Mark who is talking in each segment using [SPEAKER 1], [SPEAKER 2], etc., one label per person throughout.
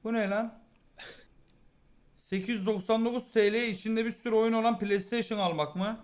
[SPEAKER 1] Bu ne lan? 899 TL içinde bir sürü oyun olan PlayStation almak mı?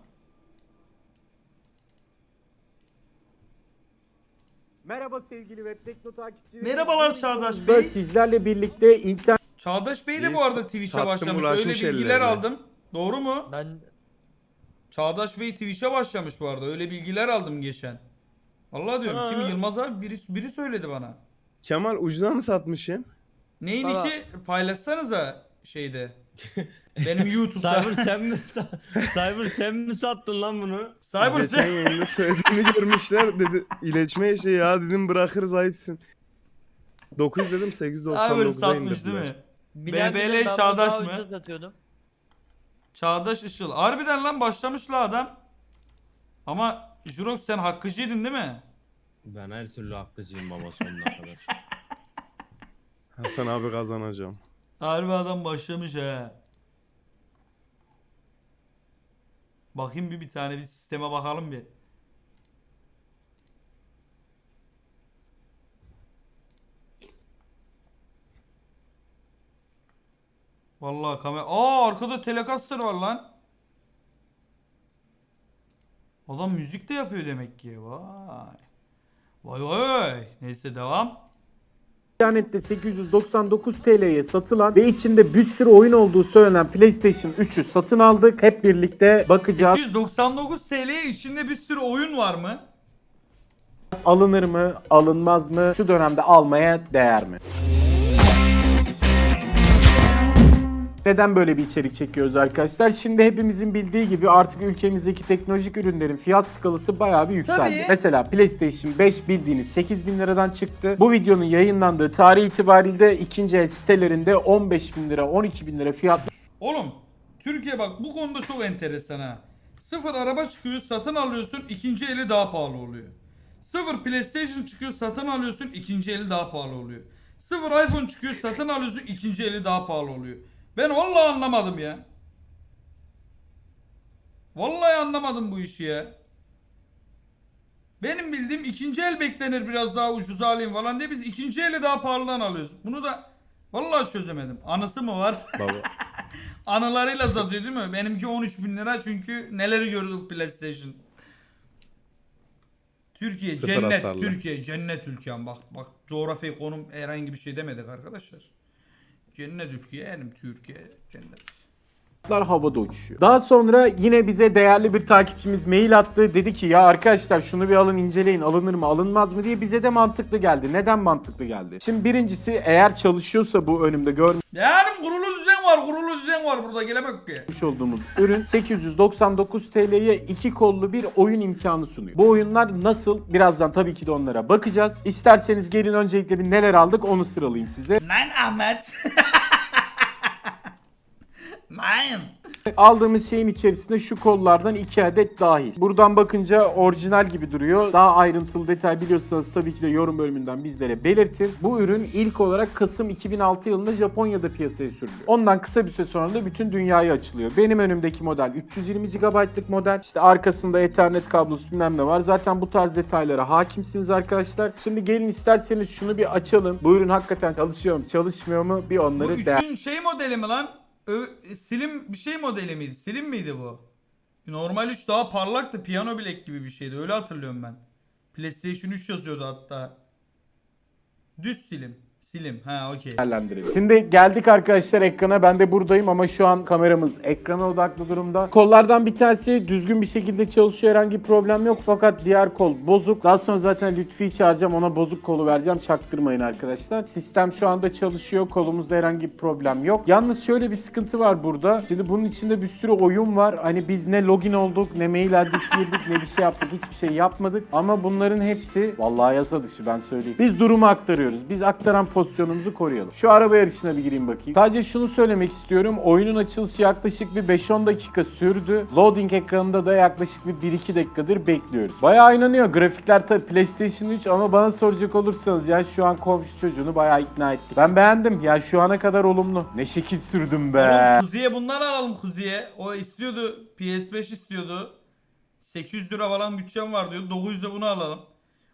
[SPEAKER 2] Merhaba sevgili Web Tekno takipçileri.
[SPEAKER 1] Merhabalar
[SPEAKER 2] Bu
[SPEAKER 1] Çağdaş
[SPEAKER 2] videomuzda
[SPEAKER 1] Bey.
[SPEAKER 2] sizlerle birlikte internet
[SPEAKER 1] Çağdaş Bey de
[SPEAKER 3] İyi,
[SPEAKER 1] bu arada Twitch'e
[SPEAKER 3] sattım,
[SPEAKER 1] başlamış. Öyle
[SPEAKER 3] bulaşmış
[SPEAKER 1] bilgiler
[SPEAKER 3] ellerine.
[SPEAKER 1] aldım. Doğru mu?
[SPEAKER 4] Ben
[SPEAKER 1] Çağdaş Bey Twitch'e başlamış bu arada. Öyle bilgiler aldım geçen. Vallahi diyorum. Kim?
[SPEAKER 4] Ha.
[SPEAKER 1] Yılmaz abi biri söyledi bana.
[SPEAKER 3] Kemal ucuza mı satmışsın?
[SPEAKER 1] Neyin
[SPEAKER 4] Valla-
[SPEAKER 1] ki paylaşsanıza şeyde. Benim YouTube'da.
[SPEAKER 4] Cyber sen mi sattın lan bunu?
[SPEAKER 1] Cyber
[SPEAKER 3] Geçen
[SPEAKER 1] sen.
[SPEAKER 3] yayında söylediğini görmüşler. Dedi iletme işi ya dedim bırakırız ayıpsın. 9 dedim
[SPEAKER 1] Cyber
[SPEAKER 3] 899'a
[SPEAKER 1] satmış değil
[SPEAKER 3] indirdiler.
[SPEAKER 1] mi? BBL Çağdaş mı?
[SPEAKER 4] Satıyordum.
[SPEAKER 1] Çağdaş Işıl. Harbiden lan başlamış la adam. Ama Jurox sen hakkıcıydın değil mi?
[SPEAKER 4] Ben her türlü hakkıcıyım baba sonuna kadar.
[SPEAKER 3] Hasan abi kazanacağım.
[SPEAKER 1] Harbi adam başlamış he. Bakayım bir tane bir sisteme bakalım bir. Vallahi kamera. Arkada Telecaster var lan. Adam müzik de yapıyor demek ki. Vay. Vay vay. Neyse devam.
[SPEAKER 2] internette 899 TL'ye satılan ve içinde bir sürü oyun olduğu söylenen PlayStation 3'ü satın aldık. Hep birlikte bakacağız.
[SPEAKER 1] 299 TL'ye içinde bir sürü oyun var mı?
[SPEAKER 2] Alınır mı, alınmaz mı? Şu dönemde almaya değer mi? Neden böyle bir içerik çekiyoruz arkadaşlar? Şimdi hepimizin bildiği gibi artık ülkemizdeki teknolojik ürünlerin fiyat skalası bayağı bir yükseldi.
[SPEAKER 1] Tabii.
[SPEAKER 2] Mesela PlayStation 5 bildiğiniz 8.000 liradan çıktı. Bu videonun yayınlandığı tarih itibariyle ikinci el sitelerinde 15.000 lira, 12.000 lira fiyat.
[SPEAKER 1] Oğlum Türkiye bak bu konuda çok enteresan ha. Sıfır araba çıkıyor satın alıyorsun ikinci eli daha pahalı oluyor. Sıfır PlayStation çıkıyor satın alıyorsun ikinci eli daha pahalı oluyor. Sıfır iPhone çıkıyor satın alıyorsun ikinci eli daha pahalı oluyor. Ben vallahi anlamadım ya. Vallahi anlamadım bu işi ya. Benim bildiğim ikinci el beklenir biraz daha ucuza alayım falan diye biz ikinci eli daha pahalıdan alıyoruz. Bunu da vallahi çözemedim. Anısı mı var?
[SPEAKER 3] Baba.
[SPEAKER 1] Anılarıyla satıyor değil mi? Benimki 13.000 lira çünkü neleri gördük PlayStation. Türkiye
[SPEAKER 3] Sıfır
[SPEAKER 1] cennet,
[SPEAKER 3] hasarlı.
[SPEAKER 1] Türkiye cennet ülkem. Bak coğrafi konum herhangi bir şey demedik arkadaşlar. Cennet ülke yani Türkiye cennet.
[SPEAKER 2] Havada uçuşuyor. Daha sonra yine bize değerli bir takipçimiz mail attı. Dedi ki ya arkadaşlar şunu bir alın inceleyin, alınır mı alınmaz mı diye. Bize de mantıklı geldi. Neden mantıklı geldi? Şimdi birincisi, eğer çalışıyorsa bu önümde görmüş
[SPEAKER 1] Yani kurulu düzen var burada gelemek ki.
[SPEAKER 2] olduğumuz ürün 899 TL'ye iki kollu bir oyun imkanı sunuyor. Bu oyunlar nasıl? Birazdan tabii ki de onlara bakacağız. İsterseniz gelin öncelikle bir neler aldık onu sıralayayım size.
[SPEAKER 1] Nein Ahmet. Nein.
[SPEAKER 2] Aldığımız şeyin içerisinde şu kollardan 2 adet dahil. Buradan bakınca orijinal gibi duruyor. Daha ayrıntılı detay biliyorsanız tabii ki de yorum bölümünden bizlere belirtin. Bu ürün ilk olarak Kasım 2006 yılında Japonya'da piyasaya sürülüyor. Ondan kısa bir süre sonra da bütün dünyaya açılıyor. Benim önümdeki model 320 GB'lık model. İşte arkasında Ethernet kablosu bilmem ne var. Zaten bu tarz detaylara hakimsiniz arkadaşlar. Şimdi gelin isterseniz şunu bir açalım. Bu ürün hakikaten çalışıyor mu, çalışmıyor mu? Bir
[SPEAKER 1] Bu
[SPEAKER 2] onları
[SPEAKER 1] üçün şey modeli mi lan? Slim bir şey modeli miydi? Slim miydi bu? Normal 3 daha parlaktı. Piyano bilek gibi bir şeydi. Öyle hatırlıyorum ben. PlayStation 3 yazıyordu hatta. Düz slim. Slim. Ha okey.
[SPEAKER 2] değerlendirelim. Şimdi geldik arkadaşlar ekrana. Ben de buradayım ama şu an kameramız ekrana odaklı durumda. Kollardan bir tanesi düzgün bir şekilde çalışıyor. Herhangi bir problem yok. Fakat diğer kol bozuk. Daha sonra zaten Lütfi'yi çağıracağım. Ona bozuk kolu vereceğim. Çaktırmayın arkadaşlar. Sistem şu anda çalışıyor. Kolumuzda herhangi bir problem yok. Yalnız şöyle bir sıkıntı var burada. Şimdi bunun içinde bir sürü oyun var. Hani biz ne login olduk, ne mail adresi girdik, ne bir şey yaptık. Hiçbir şey yapmadık. Ama bunların hepsi vallahi yasa dışı, ben söyleyeyim. Biz durumu aktarıyoruz. Biz aktaran pozisyonumuzu koruyalım. Şu araba yarışına bir gireyim bakayım. Sadece şunu söylemek istiyorum. Oyunun açılışı yaklaşık bir 5-10 dakika sürdü. Loading ekranında da yaklaşık bir 1-2 dakikadır bekliyoruz. Bayağı oynanıyor. Grafikler tabii PlayStation 3 ama bana soracak olursanız ya şu an komşu çocuğunu bayağı ikna ettik. Ben beğendim. Ya şu ana kadar olumlu. Ne şekil sürdüm be.
[SPEAKER 1] Oğlum Kuzi'ye bundan alalım Kuzi'ye. O istiyordu. PS5 istiyordu. 800 lira falan bütçem var diyor. 900'e bunu alalım.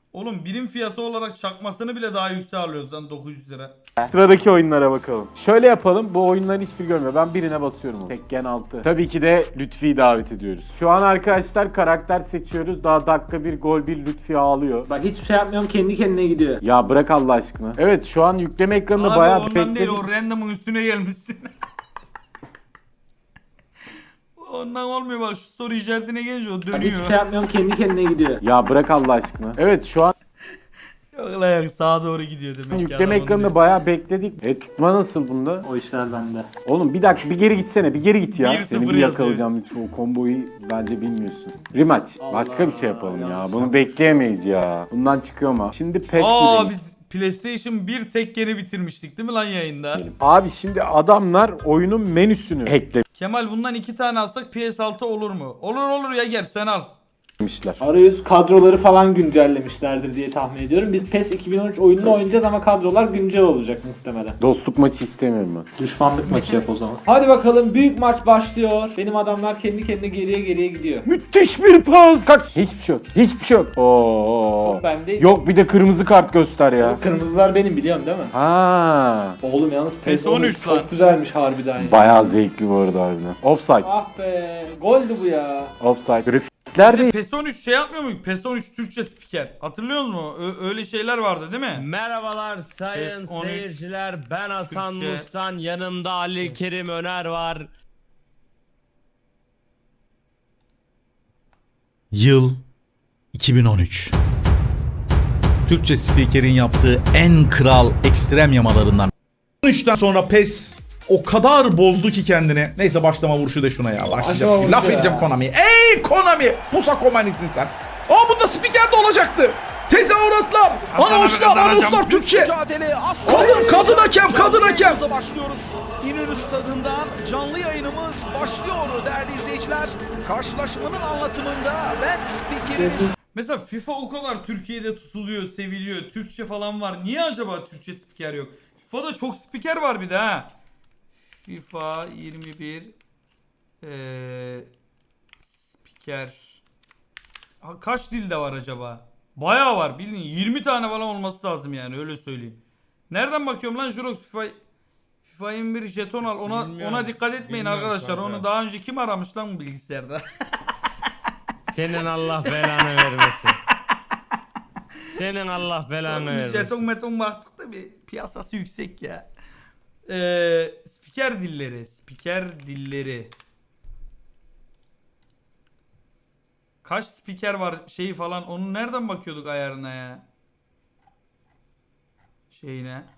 [SPEAKER 1] Oğlum birim fiyatı olarak çakmasını bile daha yüksek alıyoruz lan 900 lira.
[SPEAKER 2] Sıradaki oyunlara bakalım. Şöyle yapalım. Bu oyunların hiçbir görmüyor. Ben birine basıyorum. Tekken 6. Tabii ki de Lütfi'yi davet ediyoruz. Şu an arkadaşlar karakter seçiyoruz. Daha dakika 1 gol 1 Lütfi ağlıyor.
[SPEAKER 5] Bak hiçbir şey yapmıyorum, kendi kendine gidiyor.
[SPEAKER 2] Ya bırak Allah aşkına. Evet şu an yükleme ekranında
[SPEAKER 1] Abi
[SPEAKER 2] bayağı
[SPEAKER 1] ondan
[SPEAKER 2] bekledik.
[SPEAKER 1] değil, o random'ın üstüne gelmişsin. Ondan olmuyor, bak şu soru işaretine gelince o
[SPEAKER 5] Bak
[SPEAKER 1] dönüyor.
[SPEAKER 5] hiçbir şey yapmıyorum, kendi kendine gidiyor.
[SPEAKER 2] Ya bırak Allah aşkına. Evet şu an
[SPEAKER 1] Yok lan yok, sağa doğru gidiyor demek ki.
[SPEAKER 2] yükleme
[SPEAKER 1] adam
[SPEAKER 2] ekranında
[SPEAKER 1] onu
[SPEAKER 2] bayağı bekledik. Tutma nasıl bunda?
[SPEAKER 5] O işler bende.
[SPEAKER 2] Oğlum bir dakika bir geri gitsene. Bir geri git ya.
[SPEAKER 1] 1-0
[SPEAKER 2] Seni bir
[SPEAKER 1] yazıyor.
[SPEAKER 2] yakalayacağım. O komboyu bence bilmiyorsun. Rematch. Başka bir şey yapalım ya.
[SPEAKER 5] yanlış
[SPEAKER 2] Bunu bekleyemeyiz ya. Bundan çıkıyor mu? Şimdi PES
[SPEAKER 1] Aa
[SPEAKER 2] gidelim.
[SPEAKER 1] biz PlayStation 1 Tekken'i bitirmiştik değil mi lan yayında?
[SPEAKER 2] Abi şimdi adamlar oyunun menüsünü
[SPEAKER 1] Kemal bundan 2 tane alsak PS6 olur mu? Olur olur ya, gel sen al.
[SPEAKER 2] eklemişler.
[SPEAKER 5] Arayüz kadroları falan güncellemişlerdir diye tahmin ediyorum. Biz PES 2013 oyununu oynayacağız ama kadrolar güncel olacak muhtemelen.
[SPEAKER 2] Dostluk maçı istemiyorum ben.
[SPEAKER 5] Düşmanlık maçı yap o zaman. Hadi bakalım, büyük maç başlıyor. Benim adamlar kendi kendine geriye gidiyor.
[SPEAKER 2] Müthiş bir pas. Kalk. Hiçbir şey yok. Hiçbir şey yok. Oo.
[SPEAKER 5] Ben de
[SPEAKER 2] Yok bir de kırmızı kart göster ya.
[SPEAKER 5] Kırmızılar benim, biliyorsun değil mi?
[SPEAKER 2] Ha.
[SPEAKER 5] Oğlum yalnız PES
[SPEAKER 1] PES
[SPEAKER 5] 13
[SPEAKER 1] 13 lan.
[SPEAKER 5] çok güzelmiş harbiden ya.
[SPEAKER 2] Bayağı zevkli bu arada harbiden. Offside.
[SPEAKER 5] Ah be, goldü bu ya.
[SPEAKER 2] Offside. Grafikler de
[SPEAKER 1] PES 13 şey yapmıyor muyuz? PES 13 Türkçe spiker. Hatırlıyor musun? Öyle şeyler vardı değil mi?
[SPEAKER 4] Merhabalar sayın
[SPEAKER 1] PES 13
[SPEAKER 4] seyirciler. Ben Hasan
[SPEAKER 1] Türkçe.
[SPEAKER 4] Mustan. Yanımda Ali Kerim Öner var.
[SPEAKER 6] Yıl 2013. Türkçe spikerin yaptığı en kral ekstrem yamalarından. 13'ten sonra PES o kadar bozdu ki kendini. Neyse başlama vuruşu da şuna ya. Başlayacağım çünkü. Laf edeceğim Konami'ye. Ey Konami! Pusa Konami'sin sen. Aa bunda spiker de olacaktı. Tezahüratlar, anonslar, anonslar Türkçe. Kadın hakem, kadın hakem.
[SPEAKER 7] Başlıyoruz. İnönü Stadı'ndan canlı yayınımız başlıyor değerli izleyiciler. Karşılaşmanın anlatımında ben spikeriniz
[SPEAKER 1] Mesela FIFA o kadar Türkiye'de tutuluyor, seviliyor. Türkçe falan var. Niye acaba Türkçe spiker yok? FIFA'da çok spiker var bir de ha. FIFA 21 spiker. Kaç dilde var acaba? Bayağı var bildiğin 20 tane falan olması lazım yani, öyle söyleyeyim. Nereden bakıyorum lan Jurox? FIFA 21 jeton al,
[SPEAKER 4] Bilmiyorum.
[SPEAKER 1] ona dikkat etmeyin
[SPEAKER 4] Bilmiyorum
[SPEAKER 1] arkadaşlar.
[SPEAKER 4] kanka.
[SPEAKER 1] Onu daha önce kim aramış lan bu bilgisayarda?
[SPEAKER 4] Senin Allah belanı vermesin. Senin Allah belanı
[SPEAKER 1] Jeton
[SPEAKER 4] vermesin.
[SPEAKER 1] meton baktık da bir piyasası yüksek ya. Spiker dilleri. Spiker dilleri. Kaç spiker var şeyi falan, onu nereden bakıyorduk ayarına ya? Şeyine.